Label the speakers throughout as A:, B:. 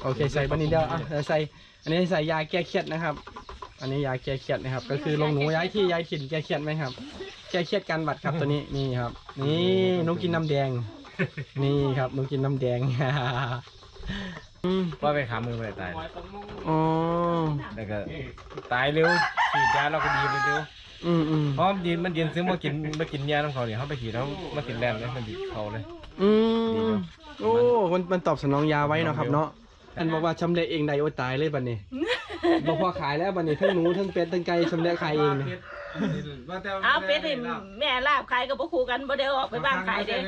A: โอเคใส่บันนี้เดียวใส่อันนี้ใส่ยาแก้เครียดนะครับอันนี้ยาแก้เครียดนะครับก็คือลงหนูย้ายที่ย้ายถิ่นแก้เครียดไหมครับแก้เครียดกันบัดครับตัวนี้นี่ครับนี่นุ๊กกินน้ำแดงนี่ครับนุ๊กกินน้ำแดง
B: ว่าไปขามือไปตาย
A: อ๋อ
B: แล้วก็ตายเร็วฉีดยาเราก็ดีเร็วเพราะมันยืนซึ่งมากินยาของเขาเนี่ยเขาไปฉีดเขามากินแรงเลยมันดีเขาเลย
A: โอ้มันตอบสนองยาไว้เนาะครับเนาะอันบอกว่าชำเละเองได้โอ้ตายเลยบัดนี้บอกพอขายแล้วบัดนี้ทั้งหนูทั้งเป็ดทั้งไก่ชำเละขายเองเนี่ย
C: เอาเป็ดนี่แม่ลาบขายกับพวกครูกันบ่ได้ออกไปบ้านขายเด้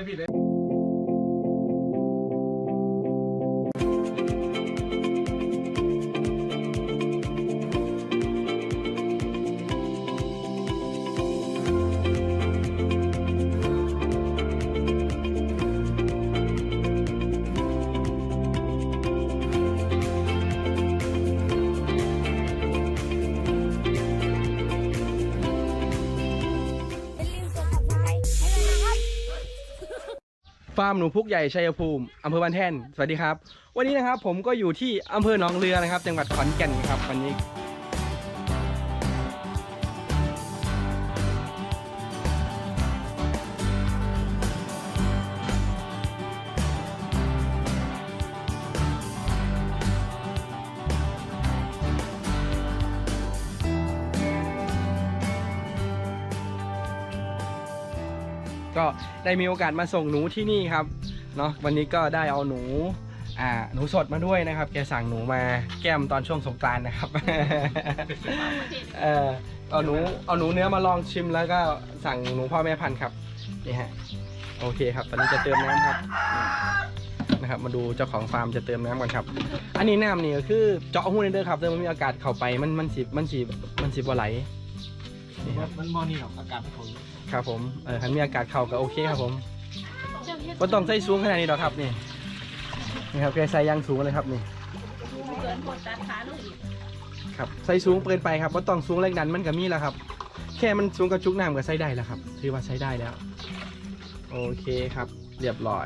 A: ฟาร์มหนูพุกใหญ่ชัยภูมิอำเภอบ้านแท่นสวัสดีครับวันนี้นะครับผมก็อยู่ที่อำเภอหนองเรือนะครับจังหวัดขอนแก่นครับวันนี้ก็ได้มีโอกาสมาส่งหนูที่นี่ครับเนาะวันนี้ก็ได้เอาหนูสดมาด้วยนะครับแกสั่งหนูมาแก้มตอนช่วงสงกรานต์นะครับเอาหนูเนื้อมาลองชิมแล้วก็สั่งหนูพ่อแม่พันธุ์ครับนี่ฮะโอเคครับตอนนี้จะเติมน้ำครับนะครับมาดูเจ้าของฟาร์มจะเติมน้ำก่อนครับอันนี้น้ำนี่ก็คือเจาะหูในเด้อครับเดี๋ยวมันมีอากาศเข้าไปมันสิบ่ไหล
B: นี่ครับมันมอนี่หรอกอากาศมันเขา
A: ครับผมคันมีอากาศเข้าก็โอเคครับผมก็ต้องใส่สูงขนาดนี้หรอกครับนี่ครับแกใส่ยางสูงเลยครับนี่ครับใส่สูงเกินไปครับก็ต้องสูงแรงดันมันก็มีแล้วครับแค่มันสูงกระจุกน้ำก็ใส่ได้แล้วครับถือว่าใช้ได้แล้วโอเคครับเรียบร้อย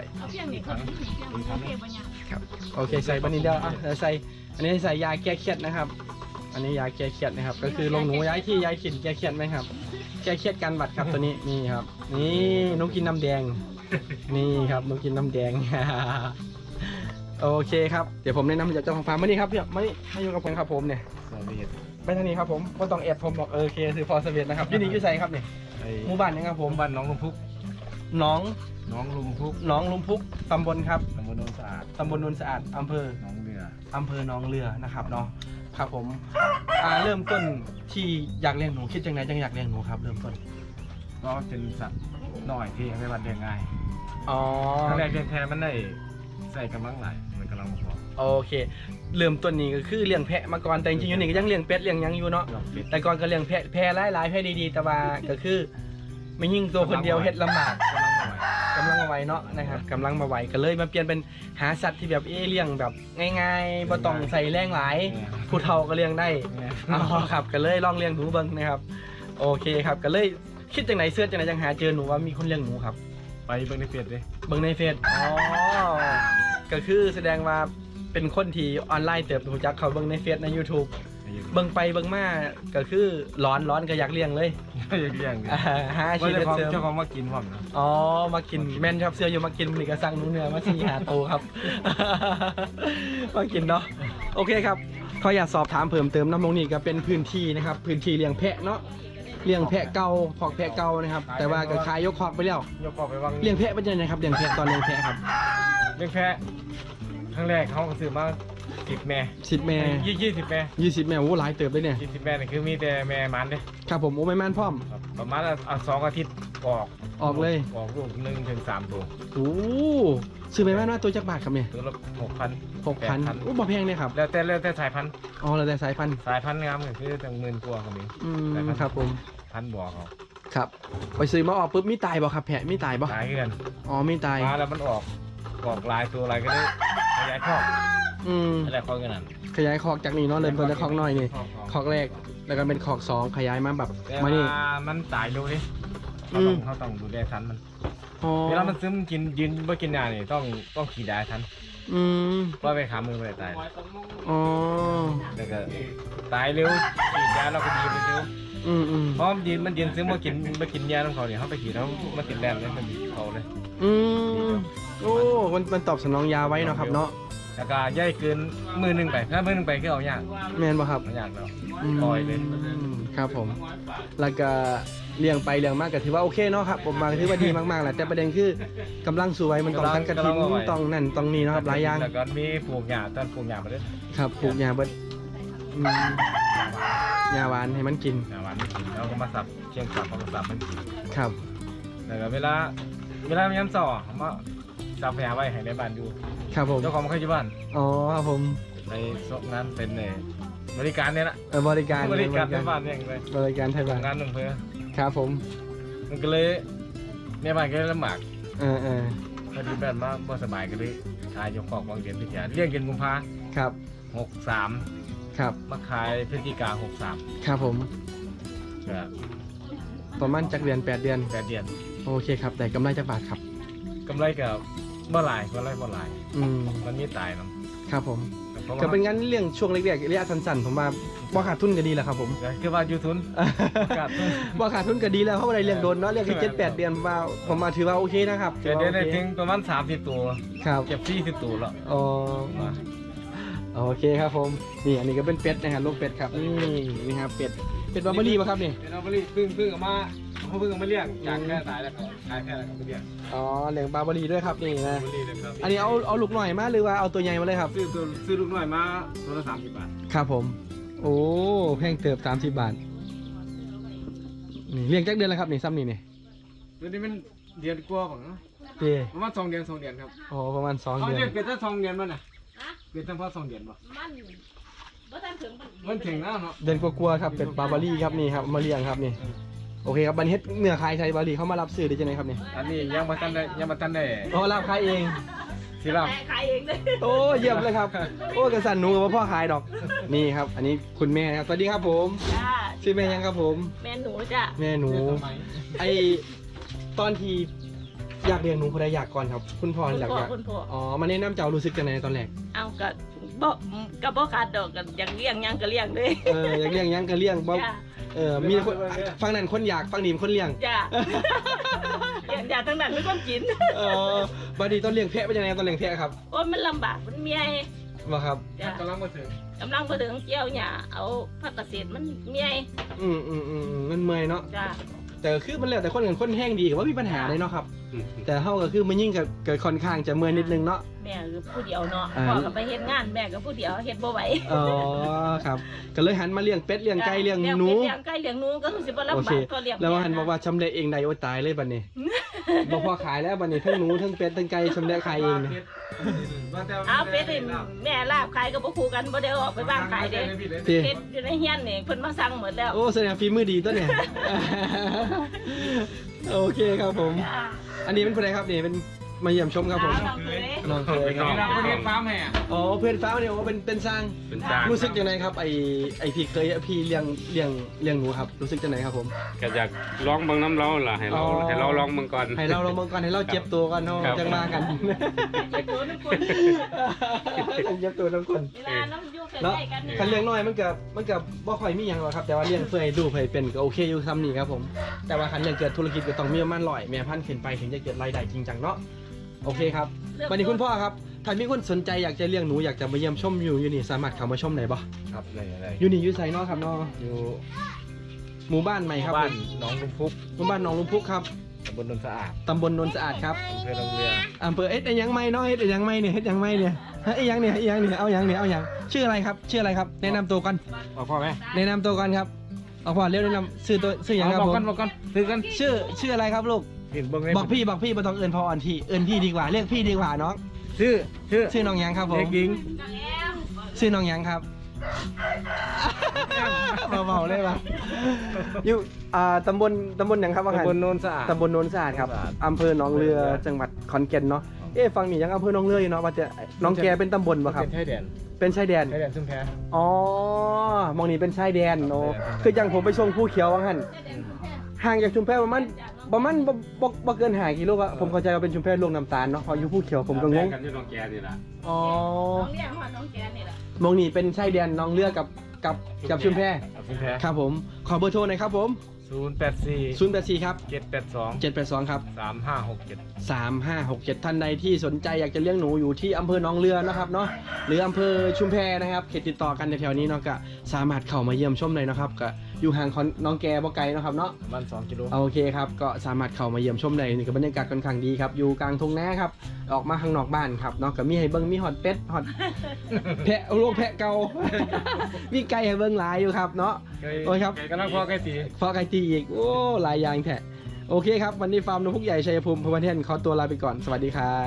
A: ครับโอเคใส่บันนี้เดียวใส่อันนี้ใส่ยาแก้เครียดนะครับอันนี้ยาแก้เครียดนะครับก็คือลงหนูย้ายที่ย้ายถิ่นแก้เครียดไหมครับแก้เครียดกันบัดครับตัวนี้นี่ครับนี่นุ๊กกินน้ำแดงนี่ครับนุ๊กกินน้ำแดงโอเคครับเดี๋ยวผมแนะนำจากเจ้าของฟาร์มมานี่ครับพี่มาอยู่กับผมครับผมเนี่ยไปทางนี้ครับผมก็ต้องแอดผมบอกโอเคคือพอสเวียดนะครับที่นี่อยู่ไสครับเนี่ยหมู่บ้านนี่ครับผม
B: บ้านน้องลุมพุก
A: น้อง
B: ลุมพุก
A: ตำบลครับ
B: ตำบลโนนสะอาด
A: อำเภอ
B: หนองเ
A: รือนะครับเนาะครับผมเริ่มต้นที่อยากเลี้ยงหนูคิดจังไหนจังอยากเลี้ยงหนูครับเริ่มต้น
B: ก็เป็นสัตว์หน่อยที่ไม่บันเลี้ยงง่าย
A: อ๋อ
B: ครั้งแรกเลี้ยงแพ้มันได้ใส่กำลังหลายมันกำลังพอ
A: โอเคเริ่มต้นนี้ก็คือเลี้ยงแพะมาก่อนแต่จริงๆอยู่นี่ก็ยังเลี้ยงเป็ดเลี้ยงยังอยู่เนาะแต่ก่อนก็เลี้ยงแพะหลายแพะดีๆแต่ว่าก็คือไม่ยิ่งตัวคนเดียวเฮ็ดลำบากกำลังมาไวเนาะนะครับกำลังมาไวก็เลยมาเปลี่ยนเป็นหาสัตว์ที่แบบเลี้ยงแบบง่ายๆบ่ต้องใส่แรงหลายผู้เฒ่าก็เลี้ยงได้อ๋อครับก็เลยลองเลี้ยงหนูเบิ่งนะครับโอเคครับก็เลยคิดจังไหนเสื้อจังไหนจังหาเจอหนูว่ามีคนเลี้ยงหนูครับ
B: ไปเบิ่งในเฟซเลย
A: เบิ่งในเฟซอ๋อก็คือแสดงว่าเป็นคนที่ออนไลน์เติบโตจากเขาเบิ่งในเฟซใน YouTubeเบิ่งไปเบิ่งมาก็คือร้อนก็อยากเลี้ยงเลย
B: อยากเลี้ยง
A: หาอาชีพเสริม
B: เจ้าของมากินผมนะ
A: อ๋อมากินแม่นครับเสื้ออยู่มากินนี่ก็สั่งหนูเนื้อมา4-5 ตัวครับมากินเนาะโอเคครับเขาอยากสอบถามเพิ่มเติมน้ำลงนี่ก็เป็นพื้นที่นะครับพื้นที่เลี้ยงแพะเนาะเลี้ยงแพะเก่าขอกแพะเก่านะครับแต่ว่าก็ขายยกขอกไปแล้ว
B: ยกขอกไปวาง
A: เลี้ยงแพะเป็นยังไงครับเลี้ยงแพะตอนเลี้ยงแพะครับ
B: เลี้ยงแพะครั้งแรกเขาก็ซื้อมา10 แม่
A: 10 แม่
B: 20 แม่
A: 20 แม่โอ้หลายเติบเลยเนี่ย
B: 20 แม่นี่คือมีแต่แม่มันเลย
A: ครับผมโอ้แม่มันพร้อม
B: ประมาณ2 อาทิตย์ออก
A: เลย
B: ออกลูก1 ถึง 3 ตัว
A: โอ้ซื้อแม่มันว่าตัวจักบาทครับเนี่ย
B: ตัวละ 6,000
A: โอ้บ่แพงเลยครับ
B: แล้วแต่สายพันธุ์
A: อ๋อแล้วแต่สายพันธุ์
B: งามก็คือตั้ง10,000 กว่าครับนี่
A: ครับผม
B: 1,000 บวก
A: ครับไปซื้อมาออกปุ๊บมีตายบ่ครับแพะมีตายบ่
B: ตายเกิน
A: อ๋อมีตาย
B: มาแล้วมันออกลายตัวอะไรก็ได้ขยายคอกอะไรคอกกันนั่น
A: ขยายคอกจากนี้เนาะเริ่มต้นจากคอกน้อยนี่คอกแรกแล้วก็เป็นคอก2ขยายมาแบบมานี่
B: มันตายดูดิเขาต้องดูแลทันมัน
A: เว
B: ลามันซึมกินยืนไม่กินยานี่ต้องขี่ได้ทันเพราะไปขามือไปตาย
A: อ๋อ
B: แล้วก็ตายเร็วฉีดยาเราก็ดีไปเร็วเพราะมันยืนซื้อมากินยาของเขาเนี่ยเขาไปฉีดเขามากินแรงเลยมันเขาเลย
A: โอ้มันตอบสนองยาไว้เนาะครับเนาะ
B: แล้วก็ย่อยเกินมือหนึ่งไปถ้ามือหนึ่งไปก็เอายาก
A: แม่นบ่ครับ
B: เอายากแล้วปล่อยเลย
A: ครับผมแล้วก็เลี้ยงไปเลี้ยงมากก็ถือว่าโอเคเนาะครับผมมาถือว่าดีมากๆแหละแต่ประเด็นคือกำลังสวยมันต้องตัดกระถิ่นต้องนั่นต้องนี่เนาะครับหลายอย่าง
B: แล้วก็มีปลูกหญ้าตอนปลูกหญ้ามาด้วย
A: ครับปลูกหญ้าเบิดหญ้าหวานให้มันกิน
B: หญ้าหวานไม่กินแล้วก็มาสับเชียงสับเอามาสับมันกิน
A: ครับ
B: แล้วก็เวลามันย้ำต่อเขามาสับหญ้าไว้ให้ในบ้านดู
A: ครับผม
B: เจ้าของมันเคยอยู่บ้าน
A: อ๋อครับผม
B: ในงานเป็นบริการเนี่ยนะ
A: บริการ
B: บริการในบ้านเนี่ยเลย
A: บริการไทยบ้าน
B: งานหนึ่งเพื่อ
A: ครับผม
B: มันก็เลยในบ้านก็เลยลำบาก พอดีแม่มาบ่สบายก็เลยขายยกของวางเดือนพิจารเลี้ยงกินกุมภา
A: ครับ
B: 63
A: ครับ
B: มาขายพฤศจิกา63
A: ครับผม
B: ก็
A: ประมาณจักเดือน8 เดือน
B: 8 เดือน
A: โอเคครับแต่กำไรจักบาทครับ
B: กำไรกับบ่หลาย มันมีตายเนาะ
A: ครับผม
B: เพราะ
A: ก็
B: ว่า
A: เป็นงั้นเรื่องช่วงเล็กๆระยะสั้นๆผมว่าบ่ขาดทุนก็ดีแหละครับผม
B: คือว่าอยู่ทุนขาดทุน
A: บ่ขาดทุนก็ดีแล้วเพราะว่าได้เลี้ยงโดนเนาะเลี้ยงแค่7-8 เดือนผมมาถือว่าโอเคนะครับ
B: เดือนได้ถึงประมาณ30 ตัว
A: ครับ
B: เก็บ40 ตัวแล้ว
A: อ๋อโอเคครับผมนี่อันนี้ก็เป็นเป็ดนะครับลูกเป็ดครับนี่ครับเป็ดบาร์เบอรี่ป่ะครับนี่
B: เป็นเอาไปเพิ่งเอามาเขาเพิ่งเอามาเลี้ยงจากแค่ตายแล้วก็ขายแค่แล้วก็ไปเลี้ยง
A: อ๋อเลี้ยงบาร์เบอรี่ด้วยครับนี่นะ
B: บริเลยครับ
A: อันนี้เอาลูกหน่อยมาหรือว่าเอาตัวใหญ่มาเลยครับ
B: ซื้อลูกน้อยมาตัวละ30 บาท
A: ครับผมโอ้แพงเติบ30 บาทนี่เลี้ยงจักเดือนแล้วครับนี่ซ้ำนี่นี่
B: ตัวนี้มันเดือนกว่าของ
A: เจ้
B: ประมาณ2 เดือนครับ
A: อ๋อประมาณ2
B: เขา
A: เดือน
B: เรียกเป็นตั้ง2 เดือนมั้งน่ะเป็นตั้งพอ2 เดือนป่ะ
C: มันบ่ทันถึง
B: มันถึงแล้วเนาะ
A: เดือนกลัวๆครับเป็ดบาร์เบอรี่ครับนี่ครับมาเลี้ยงครับนี่โอเคครับบันเฮ็ดเนื้อขายไทยบาร์เบอรี่เขามารับซื้อได้จังไงครับนี่
B: อันนี้ยังมาทันได้
A: อ๋อรับขายเอง
B: สิรับ
C: ขายเองเลย
A: โอ้เยี่ยมเลยครับโอ้กระสันหนูกับพ่อขายดอกนี่ครับ อันนี้คุณแม่ครับสวัสดีครับผม
C: จ้า
A: ชื่อแม่ยังครับผม
C: แม่หนูจ้ะ
A: แม่หนูไอตอนที่อยากเรียนหนูคนใดอยากก่อนครับ คุณพ่ออยาก
C: คุณพ่อ
A: อ๋อมาแนะนำเจ้ารู้สึกจังไงตอนแรก
C: เอาก็บ่ขาดดอกกันอย่างเลี้ยงยังก็เลี้ยงเลย
A: อยากเลี้ยงยังก็เลี้ยงบ่
C: จ้า
A: มีคนฟังนั้นคนอยากฟังนี่คนเลี้ยง
C: จ้าอยากทั้งนั้นไม่ต้องกิน
A: บัดนี้ตอนเลี้ยงแพะเป็นยังไงตอนเลี้ยงแพะครับ
C: โอ้ยมันลำบากมันเมีย
A: บ่ครับ
C: จ้ะ
B: กำลังมาถึง
C: กำลังไปถึงเกี่ยวหญ้าเอาผักเกษตรมันเมีย
A: มันเมื่อยเนาะ
C: จ้า
A: แต่คือมันแล้วแต่คนกันคนแห้งดีกับว่ามีปัญหาเลยเนาะครับ แต่เฮาก็คือมันยิ่งกับเกิดค่อนข้างจะเมื่อยนิดนึงเนาะ
C: แม่คือผู้เดียวเนาะพ่อก็ไปเฮ็ดงานแม่ก็ผู้เดียวเฮ็ดบ่ไหว
A: อ๋อครับก็เลยหันมาเลี้ยงเป็ดเลี้ยงไก่เลี้ยงหนู
C: เลี้ยงไก่เลี้ยงหนูก็คือสิบ่ลำ
A: โอบ
C: า
A: เค
C: กก็เลี้ยง
A: แล้วหันบอกว่าชำเละเองได้โอ้ตายเลยบัดนี้ บอกพอขายแล้วบัดนี้ทั้งหนูทั้งเป็ดทั้งไก่ชำเละขายเองเนี่ย
C: เอาเป็ดนี่แม่ลาบขายก็บ่คู่กันบ่ได้ออกไปบ้างขายเด้
A: เจ้
C: เฮ็ดอยู่ในเฮียนนี่เพิ่นมาสั่งหมดแล้ว
A: โอ้แสดงฝีมือดีตัวเนี่ย โอเคครับผม
C: จ้า
A: อันนี้เป็นคนใดครับนี่เป็นมาเยี่ยมชมครับผม
C: น้องเคย
A: น้องเคยครับ
B: เราเรียกฟาร์มให้อ่ะ
A: อ๋อเพื่อนฟ้าเนี่ยว่าเป็นสร้าง
D: เป็นจาง
A: รู้สึกยังไงครับไอพี่เคยพี่เลี้ยงหนูครับรู้สึกยังไงครับผม
D: ก็อยากร้องเบิ่งน้ำเราล่ะให้เรา
A: อ๋อ
D: ให้เราร้องเบิ่งก่อน
A: ให้เราลองมาก่อนให้เราเจ็บตัวกันเนาะ
D: ครับ
A: จังมากัน
C: เจ็บตัวทุกคน
A: เจ็บตัวทุกคน
C: เวลาน้ำอยู่ใก
A: เนาะ
C: ล้ๆกันนี่
A: คันเลี้ยงน้อยมันก็บ่ค่อยมีหยังหรอกครับแต่ว่าเลี้ยงเพื่อให้ดูเพื่อให้เป็นก็โอเคอยู่ซ้ำนี่ครับผมแต่ว่าคันเลี้ยงเกิดธุรกิจก็ต้องมีประมาณ100แม่พันธุ์ขึ้นไปถึงจะเกิดรายได้จริงจังเนาะโอเคครับวันนี้คุณพ่อครับถ้ามีคนสนใจอยากจะเลี้ยงหนูอยากจะมาเยี่ยมชมอยู่นี่สามารถเข้ามาชมได้บ่
B: ครับได้
A: อยู่นี่อยู่ไสเนาะครับเนาะ
B: อยู่
A: หมู่บ้านใหม่ครับ
B: บ้านหนองลุมพุก
A: หมู่บ้านหนองลุมพุกครับ
B: ตำบลนนสะอาด
A: ตำบลนนสะอาดครับ
B: อำเภอลงเรือ
A: อำเภอไอ้ยังไม่เนาะไอ้ยังไม่เนี่ยเฮ็ดยังไม่เนี่ยไอ้ยังเนี่ยเอายังชื่ออะไรครับชื่ออะไรครับแนะนำตัวก่อน
B: บอกพ่อไหม
A: แนะนำตัวก่อนครับเอาพ่อเร็วแนะนำชื่อยังครับ
B: บอก
A: ผม
B: กันซื้อกัน
A: ชื่ออะไรครับลูก
B: เห็นเบิ่ง
A: บอกพี่บ่ต้องเอิญพ่ออ่อนพี่เอิญพี่ดีกว่าเรียกพี่ดีกว่าน้อง
B: ชื่อ
A: น้องยังครับผม
B: เด็กหญิง
A: ชื่อน้องยังครับเบาๆเลยปะอยู่ตำบลยังครับว่าไง
B: ตำบลโนนสะอาด
A: ตำบลโนนสะอาดครับอำเภอหนองเรือจังหวัดขอนแก่นเนาะฟังนี่ยังอำเภอหนองเรืออยู่เนาะว่าจะหน้องแกเป็นตำบลป่ะครับ
B: เป็นชายแดน
A: เป็นชายแดน
B: ซุ่มแพ้
A: อ๋อมองนี่เป็นชายแดนโอ้
B: ชายแดน
A: คืออย่างผมไปชมภูเขียวว่างั้นห่างจากชุมแพประมาณประมาณบ่เกิน5 กิโลอะผมเข้าใจว่าเป็นชุมแพลวงน้ำตาลเนาะพออยู่ภูเขียวผมก็งง
D: กันอยู่ตรงแกนี่ล่ะ
A: อ๋อ
C: น้องเลี้ยงฮอดน้องแกนี่แหละ
A: มองนี่เป็นชายแดนน้องเลือกับชุมแพ
B: เอาคุณแพ้
A: ครับผมขอเบอร์โทรหน่อยครับผม
B: 084
A: 084ครับ
B: 782
A: 782ครับ
B: 3567
A: 3567ท่านใดที่สนใจอยากจะเลี้ยงหนูอยู่ที่อำเภอหนองเรือนะครับเนาะหรืออำเภอชุมแพนะครับเขตติดต่อกันแถวๆนี้เนาะก็สามารถเข้ามาเยี่ยมชมเลยนะครับก็อยู่ห่างของน้องแกบ่ไกลเนาะครับเนาะ
B: ประมาณ2 กิโล
A: โอเคครับก็สามารถเข้ามาเยี่ยมชมได้นี่ก็บรรยากาศค่อนข้างดีครับอยู่กลางทุ่งนาครับออกมาข้างนอกบ้านครับเนาะก็มีให้เบิ่งมีฮอดเป็ดฮอด แพะโลกแพะเก่า มีไก่ให้เบิ่งหลายอยู่ครับเนาะ โอ้ยครับ
B: กำลังพอใกล้ตี
A: ฟอไก่ตีอีกโอ้หลายอย่างแท้โอเคครับวันนี้ฟาร์มนกพุกใหญ่ชัยภูมิพวันเทนขอตัวลาไปก่อนสวัสดีครับ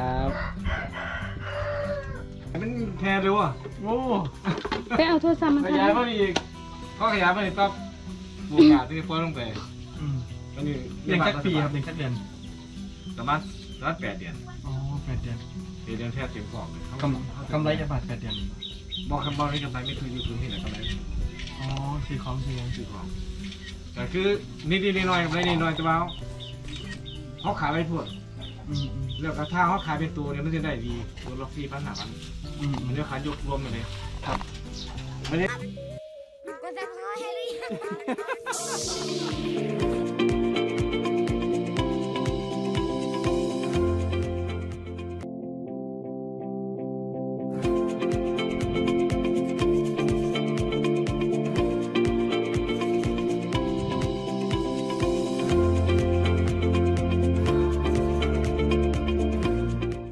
B: มันแพ้เร็วอ่ะโอ้
C: ไปเอาโทรศัพท์มา
B: ขยายมาอีกก็ขยายมาอีกปั๊บบูกาที่ฟ้อนลงไปอันนี้
A: เลี้ยงสักปีครับเลี้ยงสักเดือน
B: ประมาณ8 เดือน
A: อ๋อ8 เดือน
B: 4 เดือนแทบเต็มของเลย
A: กำไรจะบาท8 เดือน
B: บอกคำบอกนี้กำไรไม่คืออยู่พื้นที่ไหนกำไร
A: อ๋อซื้อของซื้อยัง
B: ซื้อของแต่คือนิดๆหน่อยๆกำไรนิดหน่อยแต่ว่าเขาขายไปทั่วแล้วก็ถ้าเขาขายเป็นตัวเนี่ยมันจะได้ดีตัวละ4,000 5,000มันจะขายยกรวมไปเลยครับไม่ได้
E: ก็จะพอให้หรือยัง